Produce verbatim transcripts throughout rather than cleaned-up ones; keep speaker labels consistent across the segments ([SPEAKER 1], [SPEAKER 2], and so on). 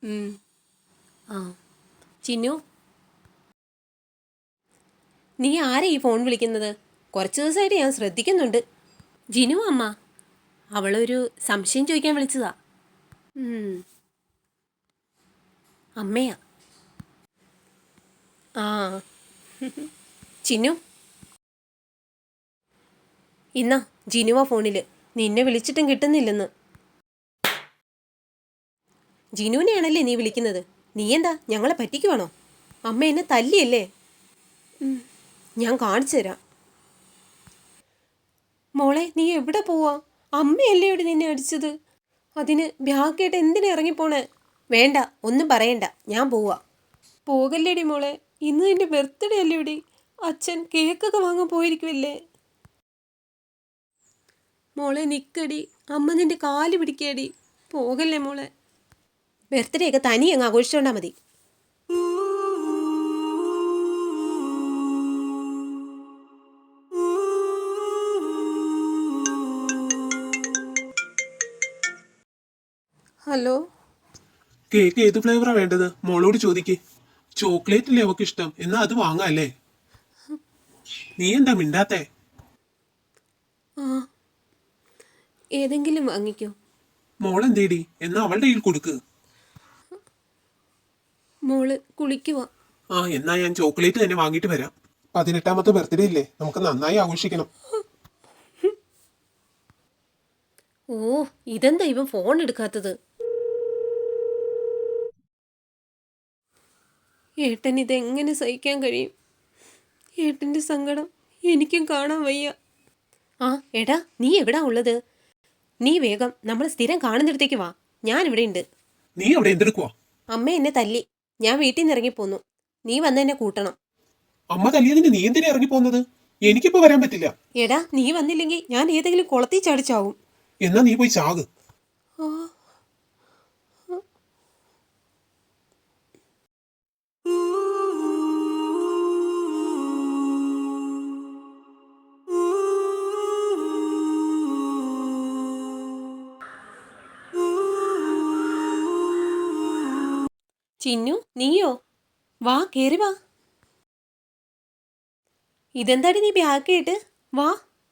[SPEAKER 1] ഉം. ആ ചിന്നു, നീ ആരെ ഈ ഫോൺ വിളിക്കുന്നത്? കുറച്ച് ദിവസമായിട്ട് ഞാൻ ശ്രദ്ധിക്കുന്നുണ്ട്. ജിനു അമ്മ, അവളൊരു സംശയം ചോദിക്കാൻ വിളിച്ചതാ. ഉം. അമ്മയാ. ആ ചിന്നു, ഇന്നാ ജിനുവ ഫോണിൽ. നിന്നെ വിളിച്ചിട്ടും കിട്ടുന്നില്ലെന്ന്. ജിനുവിനെയാണല്ലേ നീ വിളിക്കുന്നത്? നീ എന്താ ഞങ്ങളെ പറ്റിക്കുവാണോ? അമ്മ എന്നെ തല്ലിയല്ലേ? ഞാൻ കാണിച്ചു തരാം. മോളെ, നീ എവിടെ പോവാ? അമ്മയല്ലേ ഇവിടെ നിന്നെ അടിച്ചത്? അതിന് ബാഗായിട്ട് എന്തിനാ ഇറങ്ങിപ്പോണേ? വേണ്ട, ഒന്നും പറയണ്ട, ഞാൻ പോവാ. പോകല്ലേടി മോളെ, ഇന്ന് നിന്റെ ബർത്ത്ഡേ അല്ലേ ഇവിടെ? അച്ഛൻ കേക്കൊക്കെ വാങ്ങാൻ പോയിരിക്കുമല്ലേ? മോളെ നിക്കടി, അമ്മ നിന്റെ കാല് പിടിക്കടി. പോകല്ലേ മോളെ. ബർത്ത്ഡേ ഒക്കെ തനി അങ്ങ് ആഘോഷിച്ചോണ്ടാ മതി. ഹലോ,
[SPEAKER 2] കേക്ക് ഏത് ഫ്ലേവറാ വേണ്ടത്? മോളോട് ചോദിക്ക്. ചോക്ലേറ്റ് അല്ലേ അവക്ക് ഇഷ്ടം, എന്നാ അത് വാങ്ങാല്ലേ. നീ എന്താ മിണ്ടാത്തേ?
[SPEAKER 1] ആ ഏതെങ്കിലും വാങ്ങിക്കോ.
[SPEAKER 2] മോളെന്തേടി? എന്നാ അവളുടെ കയ്യിൽ കൊടുക്ക്.
[SPEAKER 1] മോള് കുളിക്കുവാ.
[SPEAKER 2] ആ എന്നാ ഞാൻ ചോക്ലേറ്റ് തന്നെ വാങ്ങിട്ട് വരാം. പതിനെട്ടാമത്തെ ബർത്ത്ഡേ ഇല്ലേ, നമുക്ക് നന്നായി ആഘോഷിക്കണം.
[SPEAKER 1] ഓ, ഇതെന്താ ഇവൻ ഫോൺ എടുക്കാത്തത്? ഏട്ടൻ ഇതെങ്ങനെ സഹിക്കാൻ കഴിയും? ഏട്ടൻ്റെ സങ്കടം എനിക്കും കാണാൻ വയ്യ. ആ എടാ, നീ എവിടാ ഉള്ളത്? നീ വേഗം നമ്മൾ സ്ഥിരം കാണുന്നിടത്തേക്ക് വാ. ഞാനിവിടെ ഉണ്ട്.
[SPEAKER 2] നീ അവിടെ എന്തെടുക്കുവാ?
[SPEAKER 1] അമ്മ എന്നെ തല്ലി, ഞാൻ വീട്ടിൽ നിന്ന് ഇറങ്ങിപ്പോന്നു. നീ വന്ന് എന്നെ കൂട്ടണം.
[SPEAKER 2] അമ്മ തല്ലിയതിന് നീ എന്തിനാ ഇറങ്ങി പോകുന്നത്? എനിക്കിപ്പോ വരാൻ പറ്റില്ല.
[SPEAKER 1] എടാ, നീ വന്നില്ലെങ്കിൽ ഞാൻ ഏതെങ്കിലും കുളത്തിൽ ചാടിച്ചാവും.
[SPEAKER 2] എന്നാ നീ പോയി ചാക്.
[SPEAKER 1] ആ ചിന്നു, നീയോ? വാ, കേറി വാ. ഇതെന്താടി നീ ബാഗായിട്ട്? വാ.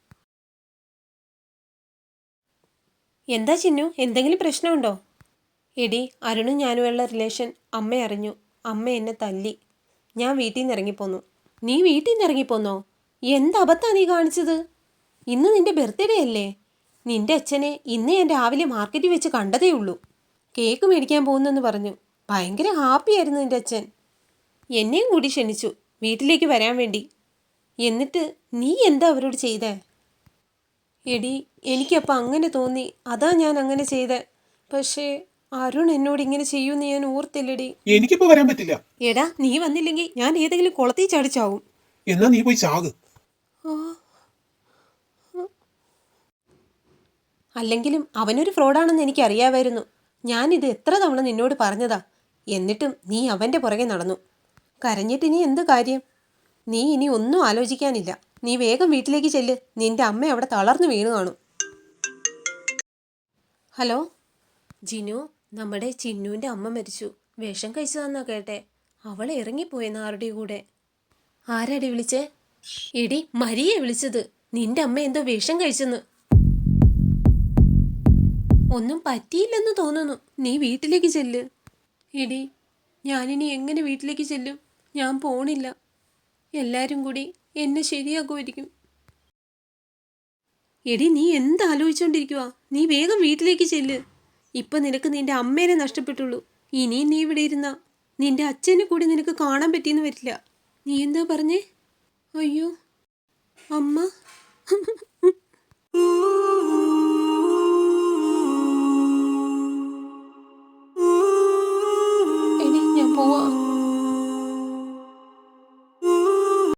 [SPEAKER 1] എന്താ ചിന്നു, എന്തെങ്കിലും പ്രശ്നമുണ്ടോ? എടി, അരുണും ഞാനുമുള്ള റിലേഷൻ അമ്മ അറിഞ്ഞു. അമ്മ എന്നെ തല്ലി. ഞാൻ വീട്ടിൽ നിന്ന് ഇറങ്ങിപ്പോന്നു. നീ വീട്ടിൽ നിന്ന് ഇറങ്ങിപ്പോന്നോ? എന്ത് അബദ്ധാ നീ കാണിച്ചത്? ഇന്ന് നിന്റെ ബർത്ത്ഡേ അല്ലേ? നിന്റെ അച്ഛനെ ഇന്ന് ഞാൻ രാവിലെ മാർക്കറ്റിൽ വെച്ച് കണ്ടതേ ഉള്ളൂ. കേക്ക് മേടിക്കാൻ പോകുന്നെന്ന് പറഞ്ഞു. ഭയങ്കര ഹാപ്പിയായിരുന്നു നിന്റെ അച്ഛൻ. എന്നെയും കൂടി ക്ഷണിച്ചു വീട്ടിലേക്ക് വരാൻ വേണ്ടി. എന്നിട്ട് നീ എന്താ അവരോട് ചെയ്തേ? എടി, എനിക്കപ്പം അങ്ങനെ തോന്നി, അതാ ഞാൻ അങ്ങനെ ചെയ്തേ. പക്ഷേ അരുൺ എന്നോട് ഇങ്ങനെ ചെയ്യുമെന്ന് ഞാൻ ഓർത്തില്ലടി.
[SPEAKER 2] എനിക്കിപ്പോ വരാൻ പറ്റില്ല.
[SPEAKER 1] എടാ, നീ വന്നില്ലെങ്കിൽ ഞാൻ ഏതെങ്കിലും കുളത്തിൽ ചാടിച്ചാവും.
[SPEAKER 2] എന്നാ നീ പോയി ചാക്.
[SPEAKER 1] അല്ലെങ്കിലും അവനൊരു ഫ്രോഡാണെന്ന് എനിക്കറിയാമായിരുന്നു. ഞാനിത് എത്ര തവണ നിന്നോട് പറഞ്ഞതാ. എന്നിട്ടും നീ അവൻ്റെ പുറകെ നടന്നു. കരഞ്ഞിട്ടിനി എന്ത് കാര്യം? നീ ഇനി ഒന്നും ആലോചിക്കാനില്ല. നീ വേഗം വീട്ടിലേക്ക് ചെല്ല്. നിന്റെ അമ്മ അവിടെ തളർന്നു വീണു കാണും. ഹലോ ജിനു, നമ്മുടെ ചിന്നുവിൻ്റെ അമ്മ മരിച്ചു. വിഷം കഴിച്ചതാന്നാ കേട്ടെ. അവൾ ഇറങ്ങിപ്പോയെന്ന് ആരുടെ കൂടെ. ആരാടി വിളിച്ചേ? എടി, മരിയെ വിളിച്ചത്. നിന്റെ അമ്മ എന്തോ വിഷം കഴിച്ചെന്ന്. ഒന്നും പറ്റിയില്ലെന്ന് തോന്നുന്നു. നീ വീട്ടിലേക്ക് ചെല്ല്. എടി, ഞാനിനി എങ്ങനെ വീട്ടിലേക്ക് ചെല്ലും? ഞാൻ പോണില്ല. എല്ലാവരും കൂടി എന്നെ ശരിയാക്കുമായിരിക്കും. എടി, നീ എന്താലോചിച്ചോണ്ടിരിക്കുവാ? നീ വേഗം വീട്ടിലേക്ക് ചെല്ല്. ഇപ്പം നിനക്ക് നിന്റെ അമ്മേനെ നഷ്ടപ്പെട്ടുള്ളൂ. ഇനിയും നീ ഇവിടെ ഇരുന്ന നിന്റെ അച്ഛനെ കൂടി നിനക്ക് കാണാൻ പറ്റിയെന്ന് വരില്ല. നീ എന്താ പറഞ്ഞേ? അയ്യോ, അമ്മ.